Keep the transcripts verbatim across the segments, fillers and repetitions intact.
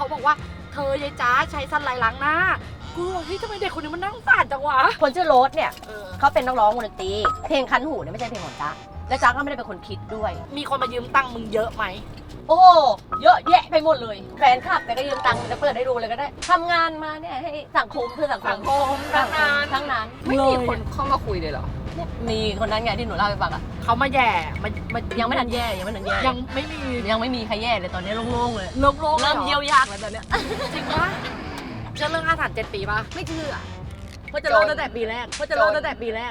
บอกว่าเธอยายจ้าใช้สันไลล้างหน้ากูบอกเฮ้ยทำไมเด็กคนนี้มันนั่งสานจังวะคนชื่อโรสเนี่ยเขาเป็นนักร้องวงดนตรีเพลงคันหูเนี่ยไม่ใช่เพลงของจ๊ะและจ๊ะก็ไม่ได้เป็นคนคิดด้วยมีคนมายืมตังค์มึงเยอะไหมโอ้เยอะแยะไปหมดเลยแฟนคลับแต่ก็ยืมตังค์จะเปิดให้ดูเลยก็ได้ทำงานมาเนี่ยให้สังคมเพื่อสังคมทั้งนั้นทั้งนั้นไม่มีคนเข้ามาคุยเลยเหรอมีคนนั้นไงที่หนูเล่าให้ฟังอ่ะเขามาแย่มันมันยังไม่ทันแย่ยังไม่ทันแย่ยังไม่มียังไม่มีใครแย่เลยตอนนี้โล่งๆเลยโล่งๆเริ่มเยียวยากแล้วตอนเนี้ยจริงปะเชื่อเรื่องอาถรรพ์เจ็ดปีปะไม่เชื่อเพราะจะโล่งตั้งแต่ปีแรกเพราะจะโล่งตั้งแต่ปีแรก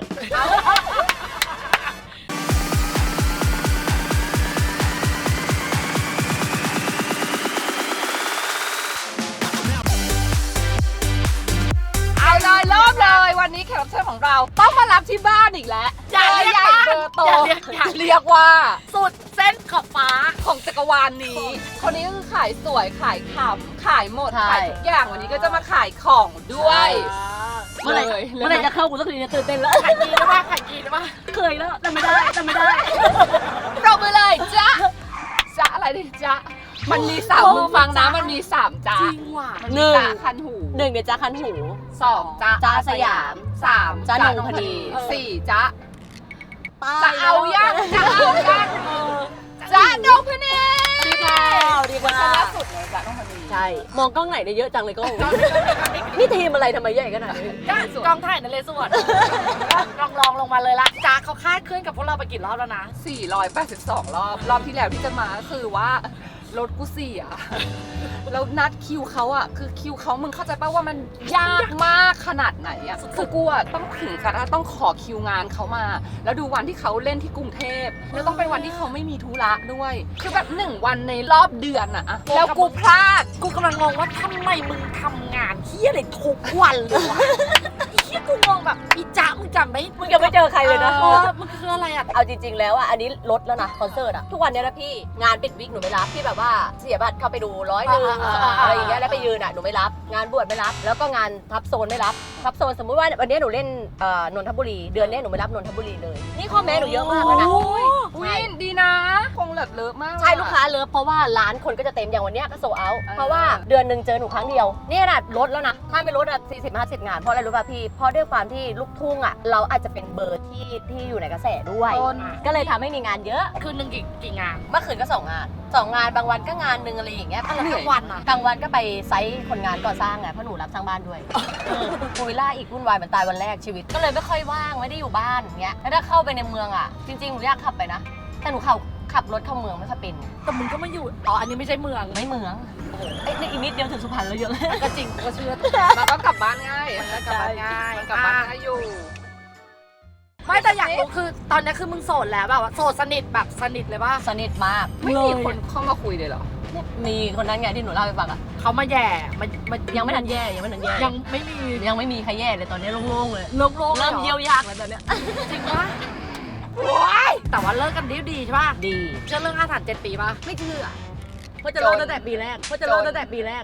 เลยเริ่มเลยวันนี้แขกรับเชิญของเราต้องมารับที่บ้านอีกแล้วอย่าเรียกใหญ่บ้านเบอร์โตอย่าเรียกอย่าเรียกว่าสุดเส้นขอบฟ้าของจักรวาลนี้ คนนี้ก็คือขายสวยขายขำขายหมดขายทุกอย่างวันนี้ก็จะมาขายของด้วยเมื่อไหร่เมื่อไหร่จะเข้ากูสักทีเนี่ยตื่นเต้นแล้วขายกีได้ปะขายกีได้ปะเคยแล้วแต่ไม่ได้แต่ไม่ได้เราไปเลยจ้ะจ้ะอะไรดิจ้ะมันมีสามมือฟังนะมันมีสามจ้ะจริงว่ะมันมีจ้ะคันหูหนึ่งเดี๋ยวจ้าคันหูสองจ้ะจ้ะสยามสามจ้ะนงพนีสี่จ้ะจะจะเอายังจะเอายังจ้ะนงพนีดีกว่าดีกว่าล่าสุดเลยจ้ะนงพนีใช่มองกล้องไหนได้เยอะจังเลยกล้องนี่ทีมอะไรทำไมใหญ่ขนาดนี้กองถ่ายนั่นเลยสวดลองลองลงมาเลยละจ้าเขาคาดเคลื่อนกับพวกเราไปกี่รอบแล้วนะสี่ร้อยแปดสิบสองรอบรอบที่แล้วที่จะมาก็คือว่ารถกูเสียแล้วนัดคิวเขาอะคือคิวเขามึงเข้าใจป่ะว่ามันยากมากขนาดไหนอะคือกูอะต้องถึงกับต้องขอคิวงานเขามา แล้วดูวันที่เขาเล่นที่กรุงเทพแล้วต้องเป็นวันที่เขาไม่มีธุระด้วย คือแบบหนึ่งวันในรอบเดือนอะอะแล้วกูพลาดกูกำลังงงว่าทำไมมึงทำงานเที่ยอะไรทุกวันเลยวะเที่ยกูงงแบบอีจ้ามึงจำไม่มึงยังไม่เจอใครเลยนะเออมันคืออะไรอะเอาจริงๆแล้วอ่ะอันนี้ลดแล้วนะคอนเสิร์ตอ่ะทุกวันนี้นะพี่งานปิดวิกหนูไม่รับพี่แบบว่าเสียบัตรเข้าไปดูร้อยหนึ่งอะไรอย่างเงี้ยแล้วไปยืนอ่ะหนูไม่รับงานบวชไม่รับแล้วก็งานทับโซนไม่รับทับโซนสมมุติว่าวันนี้หนูเล่นเอ่อนนทบุรีเดือนนี้หนูไม่รับนนทบุรีเลยนี่ข้อแม้หนูเยอะมากแล้วนะวินดีนะคงแบบเลอะมากใช่ลูกค้าเลิฟเพราะว่าร้านคนก็จะเต็มอย่างวันเนี้ยก็โซเอาเพราะว่าเดือนหนึ่งเจอหนูครั้งเดียวนี่น่ะลดแล้วนะถ้าไม่ลดอ่ะสี่สิบห้าสิบงานเพราะอะไรรู้ป่ะพี่เพราะด้วยความที่ลูกทุ่งอ่ะเราอาจจะเป็นเบอร์ที่ที่อยู่ในกระแสด้วยก็เลยทำให้มีงานเยอะคืนหนึ่งกี่กี่งานเมื่อคืนก็สองงานสองงานบางวันก็งานหนึ่งอะไรอย่างเงี้ยอะไรทั้งวันอะกลางวันก็ไปไซต์คนงานก่อสร้างไงเพราะหนูรับสร้างบ้านด้วยโอยล่าอีกวุ่นวายเหมือนตายวันแรกชีวิตก็เลยไม่ค่อยว่างไม่ได้อยู่บ้านเงี้ยแล้วถ้าเข้าไปในเมืองอ่ะจริงๆหนูอยากขับไปนะแต่หนูขับขับรถเข้าเมืองไม่ค่อยเป็นแต่มึงก็ไม่อยู่อ๋ออันนี้ไม่ใช่เมืองไม่เมืองไอ้นี่อีกนิดเดียวถึงสุพรรณแล้วเยอะเลยก็จริงกูก็เชื่อมันก็กลับบ้านง่ายมันก็กลับบ้านง่ายมันกลับบ้านง่ายอยู่ไม่แต่อยากรู้คือตอนนี้คือมึงโสดแล้วแบบว่าโสดสนิทแบบสนิทเลยป่ะสนิทมากไม่มีคนเข้ามาคุยเลยเหรอมีคนนั้นไงที่หนูเล่าให้ฟังอ่ะเขามาแย่มันมันยังไม่ทันแย่ยังไม่ทันแย่ยังไม่มียังไม่มีใครแย่เลยตอนนี้โล่งๆเลยโล่งๆเริ่มเยียวยากแล้วตอนเนี้ยจริงปะโอ้ยแต่ว่าเลิกกันดีดีใช่ป่ะดีเชื่อเรื่องอาถรรพ์เจ็ดปีป่ะไม่เชื่อเพราะจะโล่งตั้งแต่ปีแรกเพราะจะโล่งตั้งแต่ปีแรก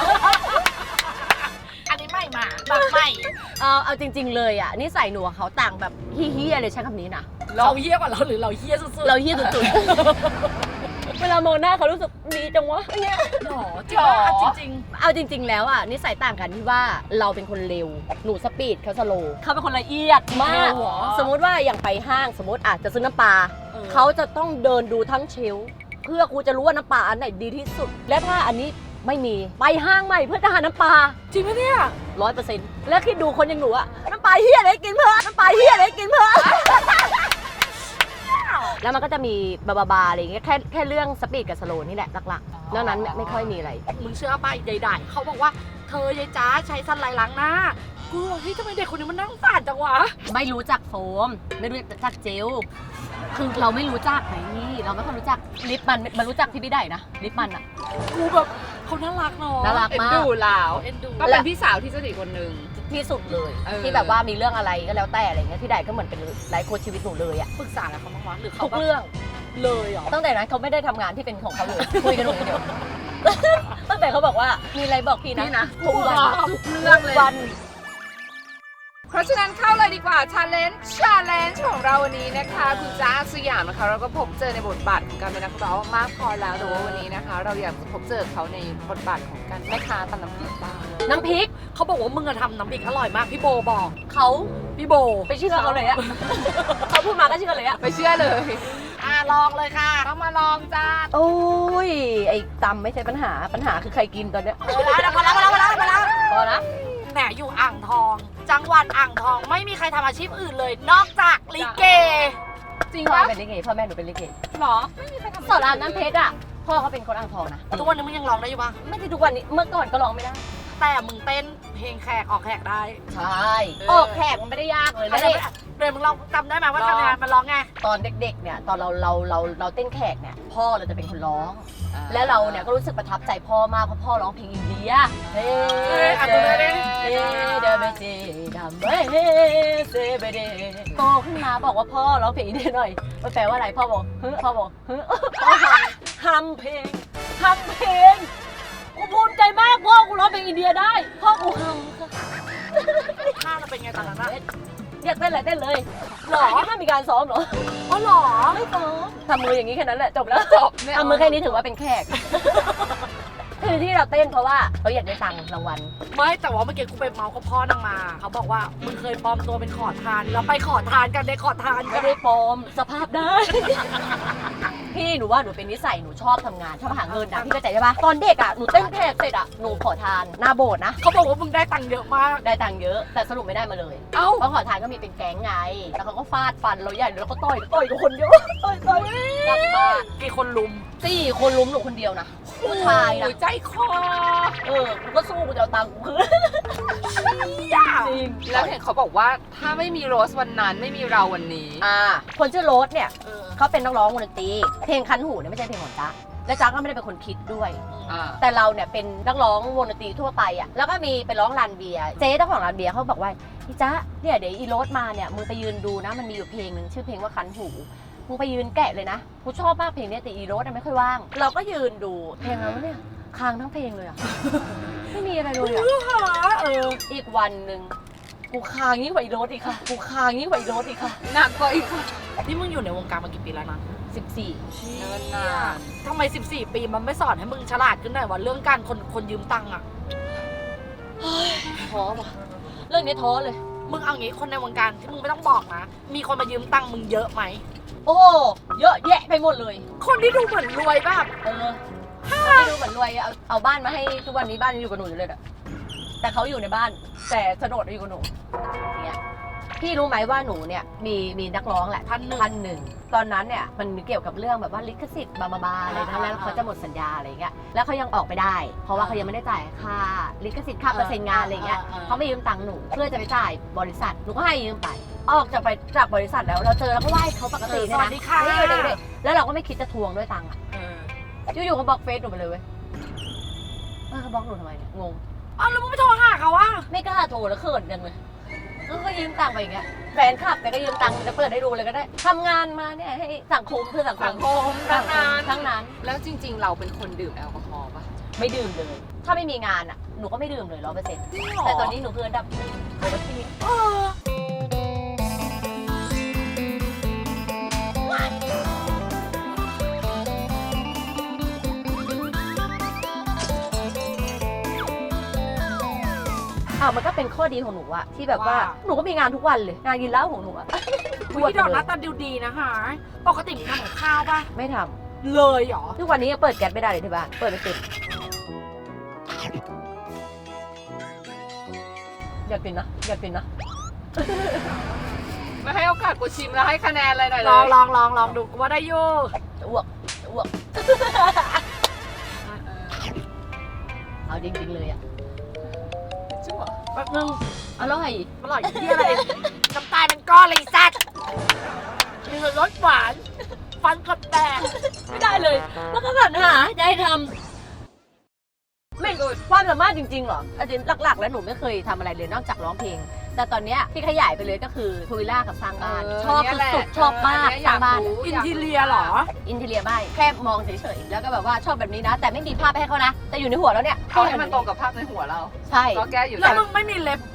อันนี้ไม่มาแบบไม่เอาเอาจริง ๆ เลยอ่ะนิสัยหนูกับเขาต่างแบบเฮี้ยๆเลยใช้คำนี้นะเราเฮี้ยกว่าเราหรือเราเฮี้ยสุดๆเราเฮี้ยสุดๆ เวลามองหน้าเขารู้สึกดีจังวะเนี่ยหรอจริงปะอ่ะจริงเอาจริง ๆ แล้วอ่ะนิสัยต่างกันที่ว่าเราเป็นคนเร็วหนูสปีดเขาสโลว์เขาเป็นคนละเอียดมาก สมมุติว่าอย่างไปห้างสมมติอาจจะซื้อน้ำปลาเขาจะต้องเดินดูทั้งเชลฟ์เพื่อกูจะรู้ว่าน้ำปลาอันไหนดีที่สุด และถ้าอันนี้ไม่มีไปห้างใหม่เพื่อจะหาน้ำปลาจริงไหมเนี่ยร้อยเปอร์เซ็นต์แล้วคิดดูคนอย่างหนูอะน้ำปลาเฮี้ยอะไรกินเพื่อน้ำปลาเฮี้ยอะไรกินเพื่อ แล้วมันก็จะมีบาบาบาอะไรอย่างเงี้ยแค่แค่เรื่องสปีดกับสโลว์นี่แหละหลักๆนอกนั้นไม่ค่อยมีอะไรมึงเชื่อป่ะใดๆเขาบอกว่าเธอยายจ้าใช้สันไลล้างหน้ากูบอกเฮ้ยทำไมเด็กคนนี้มันนั่งสานจังวะไม่รู้จักโฟมไม่รู้จักเจลคือเราไม่รู้จักไงเราไม่ค่อยรู้จักลิปมันมันรู้จักที่พี่ได้นะลิปมันอะกูแบบเขาน่ารักเนาะน่ารักเอ็นมากดูลาวเอ็นดูก็เป็นพี่สาวที่สนิทคนหนึ่งที่สุดเลยเออที่แบบว่ามีเรื่องอะไรก็แล้วแต่อะไรเงี้ยพี่ได้ก็เหมือนเป็นไลฟ์โค้ชชีวิตหนูเลยอะปรึกษาอะไรเขาบ้างวะหรือเขาทุกแบบเรื่องเลยเหรอตั้งแต่นั้นเขาไม่ได้ทำงานที่เป็นของเขาเลย คุยกันหนูอย่างเดียว ตั้งแต่เขาบอกว่ามีอะไรบอกพี่นะพี่นะทุกวันทุกเรื่องเลยวันเพราะฉะนั้นเข้าเลยดีกว่า challenge challenge ของเราวันนี้นะคะคุณจ้าสยามนะคะเราก็พบเจอในบทบาทของการเป็นนักร้องมากพอแล้วแต่ว่าวันนี้นะคะ เราอยากจะพบเจอเขาในบทบาทของการแม่ค้าตำน้ำพริกบ้างน้ำพริกเขาบอกว่ามึงอะทำน้ำพริกอร่อยมากพี่โบบอกเขาพี่โบไปเชื่อเขาเลยอะ เขาพูดมาก็เชื่อเลยอะไปเชื่อเลยอ่ะลองเลยค่ะต้องมาลองจ้าโอ้ยไอ้ตำไม่ใช่ปัญหาปัญหาคือใครกินตอนเนี้ยเออแล้วพอแล้วพอแล้วพอแล้วพอแล้วพอนะแหมอยู่อ่างทอง จังหวัดอ่างทองไม่มีใครทำอาชีพอื่นเลย นอกจากลิเกจริงพ่อปะเป็นลิเกพ่อแม่หนูเป็นลิเกหรอไม่มีใครทำสอนรามน้ำเพชรอะพ่อเขาเป็นคนอ่างทองนะทุกวันนี้มึงยังร้องได้อยู่ปะไม่ใช่ทุกวันนี้เมื่อก่อนก็ร้องไม่ได้แต่มึงเต้นเพลงแขกออกแขกได้ใช่ออกแขกมันไม่ได้ยากเลยแล้แล้ว วเดี๋เนี่ยยวเดี๋ยวมึงลองจำได้ไหมว่าทำงานมันร้องไงตอนเด็กๆเนี่ยตอนเราเราเราเราเต้นแขกเนี่ยพ่อเราจะเป็นคนร้อง แล้วเราเนี่ยก็รู้สึกประทับใจพ่อมากเพราะพ่อร้องเพลงอินเดียเฮ้เดเดเบเจดัมเบเซเบเดโตขึ้นมาบอกว่าพ่อร้องเพลงอินเดียหน่อยมันแปลว่าอะไรพ่อบอกเฮ้พ่อบอกเฮ้พ่อทำเพลงทำเพลงกูภูมิใจมากพ่อกูร้องเพลงอินเดียได้พ่อกูทำค่ะท่าเราเป็นไงตอนนั้นอะอยากเต้นอะไรเต้นเลยหรอไม่มีการซ้อมเหรออ๋อเหรอไม่ซ้อมทำมืออย่างนี้แค่นั้นแหละจบแล้วจบเนี่ยทำมือแค่นี้ถือว่าเป็นแขก คือที่เราเต้นเพราะว่าเขาอยากได้ตังค์รางวัลไม่แต่ว่าเมื่อกี้กูไปเมาส์กับพ่อนางมา เขาบอกว่ามึงเคยปลอมตัวเป็นขอทานแล้วไปขอทานกันในขอทานกัไม่นได้ปลอมสภาพได้ พี่หนูว่าหนูเป็นนิสัยหนูชอบทำงานชอบหาเงินนะพี่เข้าใจใช่ปะตอนเด็กอ่ะหนูเต้นแขกเสร็จอ่ะหนูขอทานหน้าโบสถ์นะเขาบอกว่ามึงได้ตังค์เยอะมากได้ตังค์เยอะแต่สรุปไม่ได้มาเลยเอ้าเพราะขอทานก็มีเป็นแก๊งไงแล้วเขาก็ฟาดฟันเราใหญ่แล้วก็ต่อยต่อยกับคนเยอะต่อยต่อยหนักมากกี่คนลุมสี่คนลุมหนูคนเดียวนะผู้ชายนะโอ้ใจคอเออกูก็สู้กูจะเอาตังค์กูคืนย่าจริงแล้วเห็นเขาบอกว่าถ้าไม่มีโรสวันนั้นไม่มีเราวันนี้อ่าคนชื่อโรสเนี่ยเออเขาเป็นนักร้องวงดนตรีเพลงคันหูเนี่ยไม่ใช่เพลงของจ๊ะและจ๊ะก็ไม่ได้เป็นคนคิดด้วยอ่าแต่เราเนี่ยเป็นนักร้องวงดนตรีทั่วไปอ่ะแล้วก็มีไปร้องร้านเบียร์เจ๊เจ้าของร้านเบียร์เขาบอกว่าพี่จ๊ะเนี่ยเดี๋ยวอีโรสมาเนี่ยมึงไปยืนดูนะมันมีอยู่เพลงหนึ่งชื่อเพลงว่าคันหูมึงไปยืนแกะเลยนะกูชอบมากเพลงเนี้ยแต่อีโรสไม่ค่อยว่าง เราก็ยืนดูเพลงแล้วเนี่ยค้างทั้งเพลงเลยอ่ะ ไม่มีอะไรเลยอ่ะหาเอออีกวันหนึ่งกูค้างยิ่งกว่าอีโรสอีกค่ะกูค้างยิ่งกว่าอีโรสอีกค่ะหนักกว่าอีกค่ะนี่มึงอยู่ในวงการมากี่ปีแล้วนะสิบสี่เนินนานทำไมสิบสี่ปีมันไม่สอนให้มึงฉลาดขึ้นหน่อยว่าเรื่องการคนคนยืมตังค์อะท้อว่ะเรื่องนี้ท้อเลยมึงเอางี้คนในวงการที่มึงไม่ต้องบอกนะ มีคนมายืมตังค์มึงเยอะไหมโอ้เยอะแยะไปหมดเลยคนที่ดูเหมือนรวยแบบเออไม่ดูเหมือนรวยเอาเอาบ้านมาให้ทุกวันนี้บ้านยังอยู่กับหนูอยู่เลยอะแต่เขาอยู่ในบ้าน แต่โฉนดอยู่กับหนูอย่างเงี้ยพี่รู้ไหมว่าหนูเนี่ยมีมีนักร้องแหละพันหนึ่งพันหนึ่งตอนนั้นเนี่ยมันเกี่ยวกับเรื่องแบบว่าลิขสิทธิ์บาบาบาอะไรนะอ่าแล้วเขาจะหมดสัญญาอะไรเงี้ยแล้วเขายังออกไปได้ เพราะว่าเขายังไม่ได้จ่ายค่าลิขสิทธิ์ค่าเปอร์เซ็นต์งานอะไรเงี้ยอ่าอ่าเขาไม่ยืมตังค์หนูเพื่อจะไปจ่ายบริษัทหนูก็ให้ยืมไป ออกจากไปจากบริษัทแล้วเราเจอแล้วก็ไหว้เขาปกติสเนี่ยวัสนะดีค่ะนี่เด็กๆแล้วเราก็ไม่คิดจะทวงด้วยตังค์อ่ะเอออยู่ๆก็บล็อกเฟซหนูไปเลยเว้ยเออเขาบล็อกหนูทำไมเนี่ยงงอ้าวแล้วมึงไม่โทรหาเขาวะไม่กล้าโทรแล้วเขินจังเลยก็ยืมตังค์ไปอย่างเงี้ยแฟนคลับแต่ก็ยืมตังค์จะเปิดให้ดูเลยก็ได้ทำงานมาเนี่ยให้สังคมเพื่อสังคสัมงคมตั้งนานทั้งนั้นแล้วจริง ๆ เราเป็นคนดื่มแอลกอฮอล์ปะไม่ดื่มเลย ถ้าไม่มีงานอ่ะหนูก็ไม่ดื่มเลยร้อยเปอร์เซ็นต์จริงเหรอแต่ตอนนี้หนูคืออันดับหนึ่งของประเทศเอออ่ะมันก็เป็นข้อดีของหนูอะที่แบบว่าหนูก็มีงานทุกวันเลยงานกินเหล้าของหนูอะพี่ดอกหน้าตาดูดีนะคะปกติมึงทำกับข้าวปะไม่ทเลยเหรอำทุกวันนี้ยังเปิดแก๊สไม่ได้เลยที่บ้านเปิดไม่ติดอยากกินนะอยากกินนะไม่ให้โอกาสกูชิมแล้วให้คะแนนอะไรหน่อยเลลองยลองลองลองดูว่าได้อยูจะอ้วกจะอ้วก เอาจริงๆเลยอะจริงเหรอแป๊บนึงอร่อยอร่อยที่อะไร น้ำตาลเป็นก้อนเลยไอ้สัตว์มีรสหวาน ฟันกับแตกไม่ได้เลย แล้วก็สรรหาจะให้ทำไม่ความสามารถจริงๆเหรออาจริงหลักๆ แล้วหนูไม่เคยทำอะไรเลยนอกจากร้องเพลง แต่ตอนเนี้ยที่ขยายไปเลยก็คือพูวิลล่ากับสร้างบ้าน ชอบสุดๆชอบมากสร้างบ้านอินทีเรียเหรออินเทเลียไม่แค่มองเฉยๆ แล้วก็แบบว่าชอบแบบนี้นะ แต่ไม่มีภาพให้เขานะ แต่อยู่ในหัวแล้วเนี่ยเอาให้มันตรงกับภาพในหัวเราใช่ก็แก้อยู่แล้วแต่มึงไม่มีเล็บ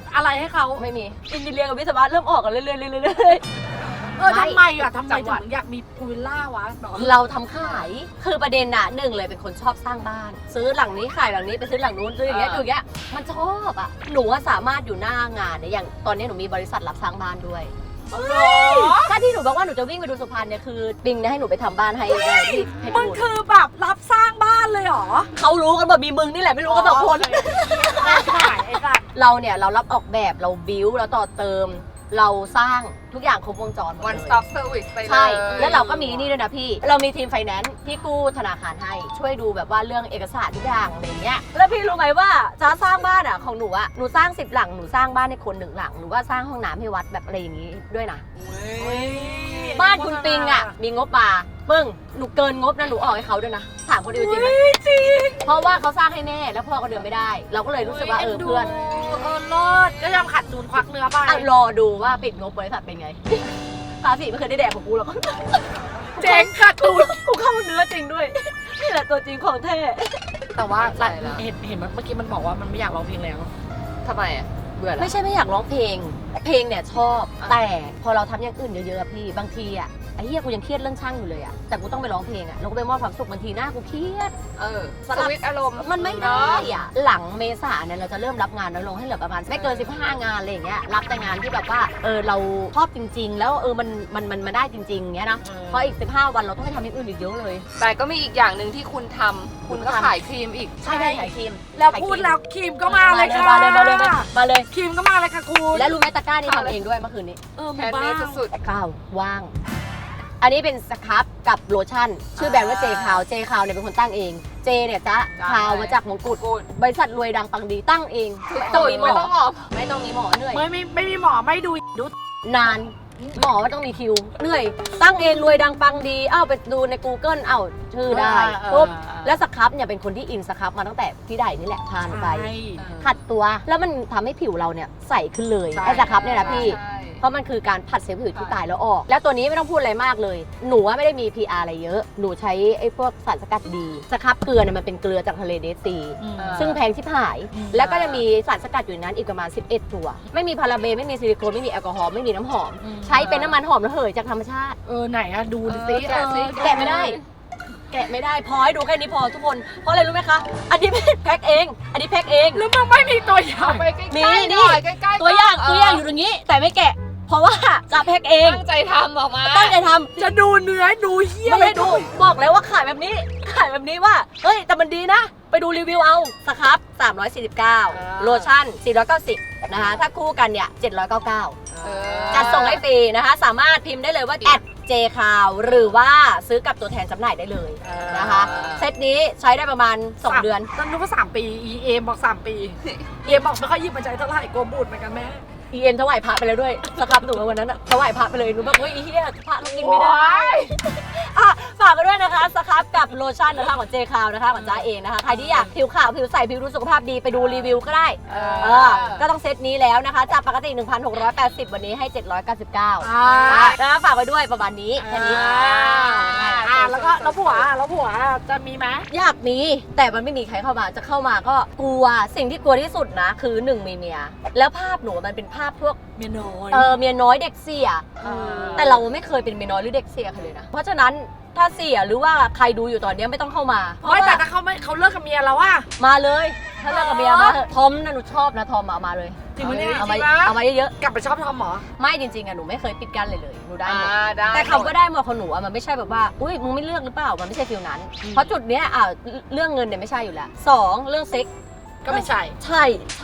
อะไรให้เขาไม่มีอินเดียกับวิศวะเริ่มออกกันเรื่อยๆเรื่อยๆเรื่อยเออทำไมอ่ะทำไมจังหวัดถึงอยากมีพูลวิลล่าวะเนาะๆเราทำขายคือประเด็นน่ะหนึ่งเลยเป็นคนชอบสร้างบ้าน ซื้อหลังนี้ขายหลังนี้ไปซื้อหลังนู้นซื้ออย่างเงี้ยอยู่อย่างเงี้ยมันชอบอ่ะหนูว่าสามารถอยู่หน้างานเนี่ยอย่างตอนนี้หนูมีบริษัทรับสร้างบ้านด้วยถ้าที่หนูบอกว่าหนูจะวิ่งไปดูสุพรรณเนี่ยคือปิงเนี่ยให้หนูไปทำบ้านให้ได้ที่เพชรมันบูรณ์คือแบบรับสร้างบ้านเลยเหรอเขารู้กันแบบมีมึงนี่แหละไม่รู้กันสองคนขายไอ้สัตว์เราเนี่ยเรารับออกแบบเราบิวเราต่อเติม เราสร้างทุกอย่างครบวงจรหมดเลย one stop service ไปเลยใช่แล้วเราก็มีนี่ด้วยนะพี่เรามีทีมไฟแนนซ์ที่กู้ธนาคารให้ช่วยดูแบบว่าเรื่องเอกสารทุกอย่างอะไรเงี้ยแล้วพี่รู้ไหมว่าจะสร้างบ้านอ่ะของหนูอ่ะหนูสร้างสิบหลังหนูสร้างบ้านให้คนหนึ่งหลังหนูก็สร้างห้องน้ำให้วัดแบบอะไรอย่างงี้ด้วยนะ บ้านคุณปิงอ่ะมีงบมาปึ้งหนูเกินงบนะหนูออกให้เขาด้วยนะถามคนอื่นจริงไหมจริงเพราะว่าเขาสร้างให้แม่แล้วพ่อก็เดินไม่ได้ เราก็เลยรู้สึกว่าเออเพื่อนเออเลิศก็ยอมขัดทุนควักเนื้อไปอ่ะรอดูว่าปิดงบบริษัทเป็นไง ภาษีไม่เคยได้แดกของกูหรอกเจ๊งขัดทุนกูเข้าเนื้อจริงด้วยนี่แหละตัวจริงของแท้แต่ว่าใช่แล้วเห็นเห็นเมื่อกี้มันบอกว่ามันไม่อยากร้องเพลงแล้วทำไมอ่ะเบื่อแล้วไม่ใช่ไม่อยากร้องเพลง เพลงเนี่ยชอบแต่พอเราทำอย่างอื่นเยอะๆอะพี่บางทีอ่ะไอ้เหี้ยกูยังเครียดเรื่องช่างอยู่เลยอ่ะแต่กูต้องไปร้องเพลงอ่ะแล้วก็ไปมอบความสุขบางทีหน้ากูเครียดเออสสลับวิตช์อารมณ์มันไม่ได้อ่ะหลังเมษาเนี่ยเราจะเริ่มรับงานน้อยลงให้เหลือประมาณไม่เกินสิบห้างานอะไรอย่างเงี้ยรับแต่งานที่แบบว่าเออเราชอบจริง ๆ แล้วเออมันมันมันมาได้จริงๆเงี้ยนะเพราะอีกสิบห้าวันเราต้องไปทำอย่างอื่นอีกเยอะเลยแต่ก็มีอีกอย่างหนึ่งที่คุณทำคุณก็ขายครีมอีกใช่ได้ขายครีมแล้วพูดแล้วครีมก็มาเลยค่ะมาเลยมาเลยมาเลยมาเลยครีมก็มาเลยค่ะคุณและรู้ไหมตะกร้านี่ทำเองด้วยเมื่อคืนนี้เออแพมีนบ้าเมงดสุดก้าวว่าง อันนี้เป็นสครับกับโลชั่น ชื่อแบรนด์ว่าเจคาวเจคาวเนี่ยเป็นคนตั้งเองเจเนี่ยจ๊ะคาวมาจากมงกุฎบริษัทรวยดังปังดีตั้งเองๆไม่ตุต้องยมีหมไม่อต้องออกไม่ต้องมีหมอเหนื่อยไม่ไม่ไม่มีหมอไม่ดูดูนานหมอไม่ต้องมีคิวเหนื่อย ตั้งเองรวยดังปังดีเอ้าไปดูใน Google เอ้าชื่อได้ปุ๊บแล้วสครับเนี่ยเป็นคนที่อินสครับมาตั้งแต่พี่ใดนี่แหละทานไปใช่ขัดตัวแล้วมันทำให้ผิวเราเนี่ยใสขึ้นเลยใช่ไอ้สครับเนี่ยนะพี่ใช่เพราะมันคือการผัดเซลล์ผิวที่ตายแล้วออก แล้วตัวนี้ไม่ต้องพูดอะไรมากเลย หนูว่าไม่ได้มี พี อาร์ อะไรเยอะ หนูใช้ไอ้พวกสารสกัดดีสครับเกลือเนี่ยมันเป็นเกลือจากทะเลเดดซีอืมเออซึ่งแพงชิบหายอืมแล้วก็จะมีสารสกัดอยู่ในนั้นอีกประมาณสิบเอ็ดตัว ไม่มีพาราเบนไม่มีซิลิโคนไม่มีแอลกอฮอล์ไม่มีน้ำหอมอืมใช้เป็นน้ำมันหอมระเหยจากธรรมชาติเออไหนอะดูดิสิแกะสิเออแกะไม่ได้ แกะไม่ได้พอให้ดูแค่นี้พอทุกคน เพราะอะไรรู้ไหมคะ อันนี้แพ็คเอง อันนี้แพ็คเองแล้วมันไม่มีตัวอย่าเอางไปใกล้นี่ๆนี่หน่อยใกล้ๆตัวอย่างเตัวอย่างอยู่ตรงนี้ แต่ไม่แกะ เพราะว่าจะแพ็คเองตั้งใจทำออกมาตั้งใจทำจะดูเนื้อดูเหี้ยไม่ได้ดูบอกแล้วว่าขายแบบนี้ ขายแบบนี้ว่า เฮ้ย แต่มันดีนะ ไปดูรีวิวเอาสครับสามร้อยสี่สิบเก้าโลชั่นสี่ร้อยเก้าสิบนะคะ ถ้าคู่กันเนี่ยเจ็ดร้อยเก้าสิบเก้าเออจัดส่งให้ฟรีนะคะ สามารถพิมพ์ได้เลยว่าแอดเจคาวหรือว่าซื้อกับตัวแทนจำหน่ายได้เลยนะคะ เซตนี้ใช้ได้ประมาณ สอง เดือนตอนนู้นก็สามปี อี เอมบอกสามปี เอมบอกไม่ค่อยหยิบมาใช้เท่าไหร่กลัวบูดเหมือนกันแม่อีเอ็นถวายพระไปแล้วด้วยสครับหนูวันนั้นอะถวายพระไปเลยหนูแบบเฮ้ยไอ้เหี้ยพระก็กินไม่ได้ อ่ะฝากกันด้วยนะคะสครับกับโลชั่นนะคะของเจคาวนะคะของจ้าเองนะคะใครที่อยากผิวขาวผิวใสผิวดูสุขภาพดีไปดูรีวิวก็ได้เอเออก็ต้องเซตนี้แล้วนะคะจากปกติ หนึ่งพันหกร้อยแปดสิบ วันนี้ให้ เจ็ดร้อยเก้าสิบเก้าอ่านะคะฝากไว้ด้วยประมาณนี้แค่นี้อ่าอ่าแล้วก็แล้วผัวแล้วผัวจะมีไหมอยากมีแต่มันไม่มีใครเข้ามาจะเข้ามาก็กลัวสิ่งที่กลัวที่สุดนะคือหนึ่งมีเมียแล้วภาพหนูมันเป็นภาพพวกเมียน้อยเออเมียน้อยเด็กเสียเออแต่เราไม่เคยเป็นเมียน้อยหรือเด็กเสียใครเลยนะเพราะฉะนั้นถ้าเสียหรือว่าใครดูอยู่ตอนนี้ไม่ต้องเข้ามาเพราะไม่แต่ว่าถ้าเขาไม่เขาเลิกกับเมียแล้วอะมาเลยถ้าเลิกกับเมียมาเถอะทอมนะหนูชอบนะทอมมามาเลยจริงไหมเนี่ยเอามาจริงปะเอามาเยอะกลับไปชอบทอมเหรอๆไม่จริงๆอะหนูไม่เคยปิดกั้นเลยเลยหนูได้หมดอ่าได้แต่เขาก็ได้หมดของหนูอะมันไม่ใช่แบบว่าอุ้ยมึงไม่เลือกหรือเปล่ามันไม่ใช่ฟิลนั้น เพราะจุดเนี้ยอ่ะเรื่องเงินเนี่ยไม่ใช่อยู่แล้วสองเรื่องเซ็กก็ไม่ใช่ใช่ใช่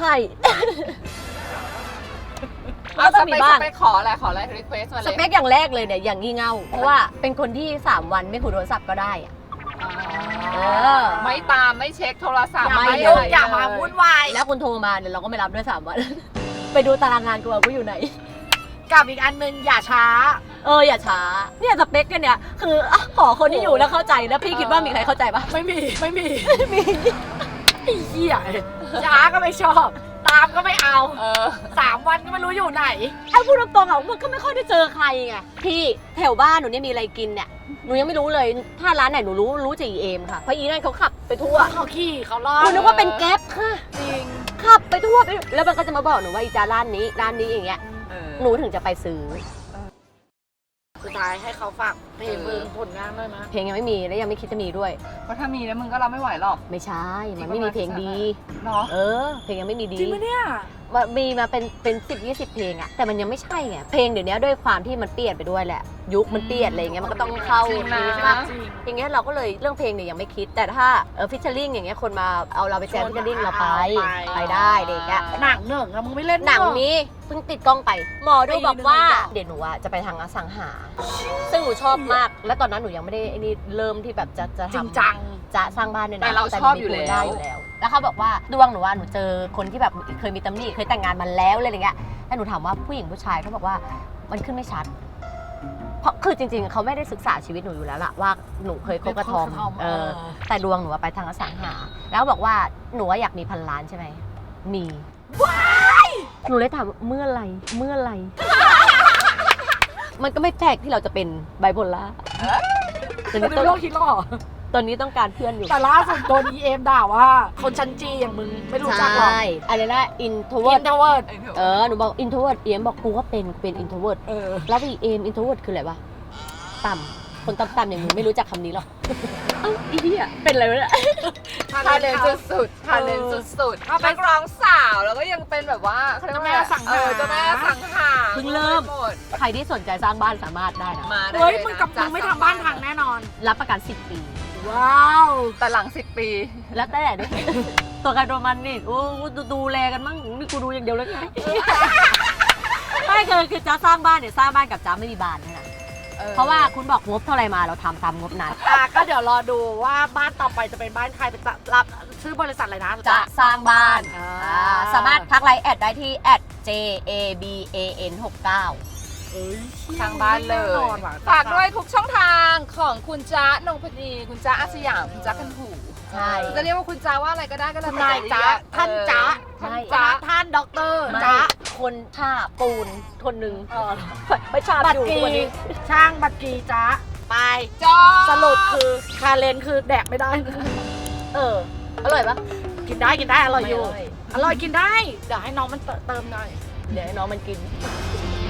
เอาก็สต้องเปมีคบ้างสเปคขออะไรขออะไรรีเควสมาเลยสเปคอย่างแรกเลยเนี่ยอย่างงี่เง่าเพราะว่าเป็นคนที่สามวันไม่คุยโทรศัพท์ก็ได้อะ เออไม่ตามไม่เช็คโทรศัพท์อย่าไม่มาเลยุ่งยอย่ามาวุ่นวายแล้วคุณโทรมาเนี่ยเราก็ไม่รับด้วยสามวัน ไปดูตารางงานกูว่ากูอยู่ไหนกับอีกอันหนึงอย่าช้าเอออย่าช้าเนี่ยสเปคกันเนี่ยคืออ่ะขอคนที่อยู่แล้วเข้าใจแล้วพี่คิดว่ามีใครเข้าใจปะไม่มีไม่มีไม่มีไอ้เหี้ยช้าก็ไม่ชอบ ตามก็ไม่เอาเออสามวันก็ไม่รู้อยู่ไหนไอ้พูดตรงๆอ่ะมันก็ไม่ค่อยได้เจอใครไงพี่แถวบ้านหนูเนี่ยมีอะไรกินเนี่ยหนูยังไม่รู้เลยถ้าร้านไหนหนูรู้รู้จากอีเอมค่ะเพราะอีนั่นเขาขับไปทั่วเขาขี่เขาล่อคุณนึกว่าเป็นแก๊ปค่ะจริงขับไปทั่วไปไม่แล้วมันก็จะมาบอกหนูว่าอีจาร้านนี้ร้านนี้อย่างเงี้ยเออหนูถึงจะไปซื้อสุดท้ายให้เขาฝากเพลงมึงผลงานด้วยนะเพลงยังไม่มีและยังไม่คิดจะมีด้วยเพราะถ้ามีแล้วมึงก็รับไม่ไหวหรอกไม่ใช่ มันไม่มีเพลงดีเนาะเออ เพลงยังไม่มีดีจริงไหมเนี่ยมันมีมาเป็นเป็นสิบยี่สิบเพลงอะแต่มันยังไม่ใช่ไงเพลงเดี๋ยวนี้ด้วยความที่มันเปลี่ยนไปด้วยแหละ ยุคมันเปลี่ยนอะไรอย่างเงี้ยมันก็ต้องเข้าจริงนะใช่ปะอย่างเงี้ยเราก็เลยเรื่องเพลงเนี่ยยังไม่คิด แต่ถ้าเออฟิชเชอร์ลิงอย่างเงี้ยคนมาเอาเราไปแจมฟิชเชอร์ลิงเราไปไปได้อะไรอย่างเงี้ยหนังหนึ่งอะมึงไม่เล่นหนังเอะนี้เพิ่งติดกล้องไป หมอดูบอกว่าปีหนึ่งเดี๋ยวหนูอะจะไปทางอสังหา ซึ่งหนูชอบมาก และตอนนั้นหนูยังไม่ได้ไอ้นี่เริ่มที่แบบจะจะจริงทำจังจะสร้างบ้านเนี่ยนะแต่เราชอบอยู่หนูมีแล้วได้อยู่แล้ว แล้วเขาบอกว่าดวงหนูว่าหนูเจอคนที่แบบเคยมีตำหนิเคยแต่งงานมาแล้วอะไรอย่างเงี้ยแล้วหนูถามว่าผู้หญิงผู้ชายเขาบอกว่ามันขึ้นไม่ชัด เพราะคือจริงๆเขาไม่ได้ศึกษาชีวิตหนูอยู่แล้วล่ะว่าหนูเคยคบกระทอมเคยคบกระทอมเออเออแต่ดวงหนูอะไปทางอสังหา แล้วบอกว่าหนูว่าอยากมีพันล้านใช่ไหมมีหนูเลยถามว่าเมื่อไหรเมื่อไหร มันก็ไม่แปลกที่เราจะเป็นไบโพล่าตอนเป็นี้นต้องโรคคิดหรอตอนนี้ต้องการเพื่อนอยู่แต่ล่าสุดโดน อี เอ็ม ด่าว่า คนชั้นจีอย่างมึงไม่รู้จักหรอกใช่อะไรนะอินโทรเวิอิร์ดนเทอร์เวิร์ดเออหนูบอกอินโทรเวิร์ดเอ็มบอกกูก็เป็นกูเป็นอินโทรเวิร์ดเออแล้วอีเอ็มอินโทรเวิร์ดคืออะไรวะต่ำคนต่ำๆอย่างมึงไม่รู้จักคำนี้หรอกเอ้าอีเหี้ยเป็นอะไรวะเนี่ยทาเลนสุดๆทาเลนสุดๆนักร้องสาวแล้วก็ยังเป็นแบบว่าเขาเรียกว่าเจ้าแม่สังหาเออเจ้าแม่สังหาเพิ่งเริ่มหดใครที่สนใจสร้างบ้านสามารถได้นะมาได้เฮ้ยลนะมึงกับมึงไม่ทำบ้านทางแน่นอนรับประกันสิบปีว้าวแต่หลังสิบปีแล้วแต่ด้วย ตัวใครตัวมันนี่โอ้ดูดูแลกันมั่งนี่กูดูอย่างเดียวเลยไง ไม่คือคือจะสร้างบ้านเนี่ยสร้างบ้านกับจ้าไม่มีบ้านนะ เพราะว่าคุณบอกงบเท่าไรมาเราทำตามงบนั้นอ่ะก็เดี๋ยวรอดูว่าบ้านต่อไปจะเป็นบ้านใครเป็นรับชื่อบริษัทอะไรนะจะสร้างบ้านอ่าอ่าสามารถทักไลน์แอดได้ที่ แอด เจ เอ บี เอ เอ็น หกเก้าเอ้ยทางบ้านเลยแน่นอนว่ะฝากด้วยทุกช่องทางของคุณจ๊ะนงพนีคุณจ๊ะอาสยามคุณจ๊ะกันหูใช่จะเรียกว่าคุณจ๊ะว่าอะไรก็ได้ก็แล้วคุณแต่นายจ๊ะท่านจ๊ะท่านไม่จ๊ะท่านด็อกเตอร์ไม่จ๊ะคนท่าปูนคนหนึ่งเออไม่ชาบบัตอรยู่กีวันนี้ช่างบัตรกีจ๊ะไปจ๊ะสรุปคือคาเลนคือแดกไม่ได้เออ อร่อยปะกินได้กินได้อร่อยอยู่ไม่อร่อยกินได้ เดี๋ยวให้น้องมันเติมหน่อยเดี๋ยวให้น้องมันกิน